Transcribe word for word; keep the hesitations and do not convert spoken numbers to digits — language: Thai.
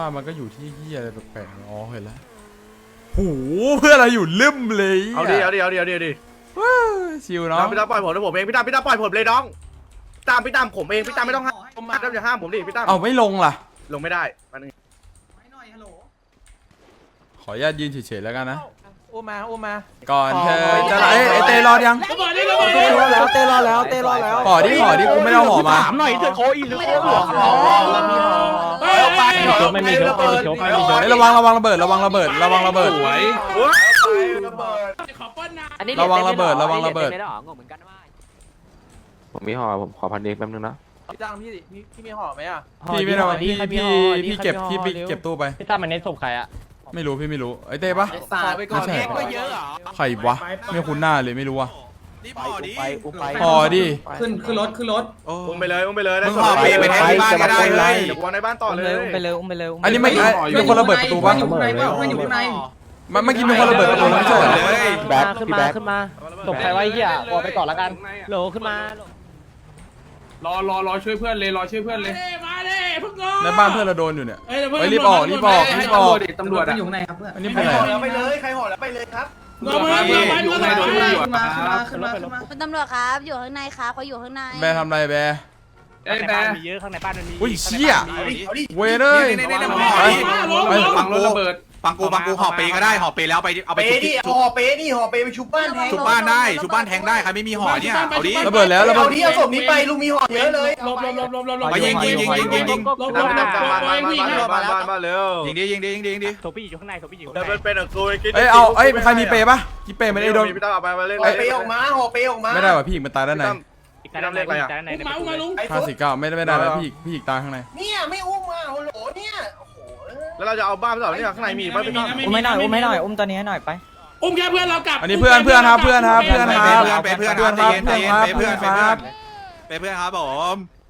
ป้ามันก็อยู่ที่เฮียอะไรแปลกๆอ๋อเห็นแล้วหูเพื่อนเราอยู่ลืมเลยเอาดิเอาดิเอาดิเอาดิเอาดิชิวเนาะพี่ตามปล่อยผมนะผมเองพี่ตามพี่ตามปล่อยผมเลยน้องตามพี่ตามผมเองพี่ตามไม่ต้องห้ามพี่ตามอย่าห้ามผมดิพี่ตามเอาไม่ลงล่ะลงไม่ได้มันขออนุญาตยืนเฉยๆแล้วกันนะอุ้มมาอุ้มมาก่อนเธอจะไอ้ไอ้เตรอดยังเต้รอแล้วเต้รอแล้วเต้รอแล้วขอดิขอดิกูไม่ได้เอาห่อมาถามหน่อยเธอโคอีหรือโคหลวงไม่มีชุบไม่มีชุบไม่มีชุบเฮ้ยระวังระวังระเบิดระวังระเบิดระวังระเบิด ระวังระเบิดระวังระเบิดผมมีห่อผมขอพันเอกแป๊บนึงนะพี่จ้างพี่พี่พี่มีห่อไหมอ่ะพี่ไม่ได้พี่พี่พี่เก็บพี่เก็บตู้ไปพี่ตั้มมันเน้นศพใครอะไม่รู้พี่ไม่รู้ไอ้เต้ปะสาไปก่อนก็เยอะเหรอใครวะไม่คุ้นหน้าเลยไม่รู้ว่ะไปอุ้มไปห่อดิขึ้นขึ้นรถขึ้นรถอุ้มไปเลยอุ้มไปเลยมึงห่อปีไปแทงที่บ้านก็ได้เลยเดี๋ยววางในบ้านต่อเลยอุ้มไปเลยอุ้มไปเลยอุ้มไปเลยอันนี้ไม่มีคนระเบิดประตูปะอยู่ข้างในเปล่าเพื่อนอยู่ข้างในเมื่อกี้มีคนระเบิดประตูไม่ใช่เหรอแบ็คขึ้นมาขึ้นมาศพใครไว้เหี้ยออกไปก่อนละกันโหลขึ้นมารอรอรอช่วยเพื่อนเลยรอช่วยเพื่อนเลยในบ้านเพื่อนเราโดนอยู่เนี่ยไปรีบออกรีบออกรีบออกตำรวจอยู่ข้างในครับเพื่อนอันนี้เป็นไรแล้วไปเลยใครห่อแล้วไปเลยครับตำรวจมาพี่อยู่ข้างในโดนตำรวจมาขึ้นมาขึ้นมาคุณตำรวจครับอยู่ข้างในครับเขาอยู่ข้างในแบร์ทำไรแบร์เอ้ยในแต่บ้านมีเยอะข้างในบ้านมันมีอุ้ยเชี่ยเอาดิเวเนยนี่นี่นี่ไปไปฟังรถระเบิดฟังกูฟังกูห่อปีก็ได้ห่อปีแล้วไปเอาเปไปชุบดิห่อเปนี่ห่อเปไปชุบบ้านแทงชุบบ้านได้ชุบบ้านแทงได้ใครไม่มีห่อเนี่ยเอาดิระเบิดแล้วระเบิเอาดที่เอาศพนี้ไปลุงมีห่อเยอะเลยลบลบลบลบลบไปยิงยิงยิงยิงยิงยิงตามตามตามบ้านบ้านบ้านบ้านบ้านบ้านเร็วยิงดิยิงดิยิงดิยิงดิศพพี่อยู่ข้างในศพพี่อยู่ข้างเดินในเป็นอ่ะกูกินเอ้ยเอาเอ้ยใครมีเปย์ปะกี่เปย์ไม่ได้โดนพี่ตั้มเอาไปมาเล่นห่อเปออกมาห่อเปออกมาไม่ได้ว่ะพี่มันตายด้านในอีกด้านในอีกด้านในในประตูเลยห้าสี่เก้าไม่ได้ไม่ได้แล้วพี่พี่อีกตาข้างในเนี่ยไม่อุ้มมาโอ้โหเนี่ยแล้วเราจะเอาบ้านไปต่อเนี่ยข้างในมีบ้านพี่ตั้มอุ้มให้หน่อยอุ้มให้หน่อยอุ้มตัวนี้ให้หน่อยไปอุ้มแค่เพื่อนเรากลับอันนี้เพื่อนเพื่อนครับเพื่อนครับเพื่อนครับเป็นเพื่อนครับเพื่อนครับเพื่อนครับเป็นเพื่อนเพื่อนครับเป็นเพื่อนครับผม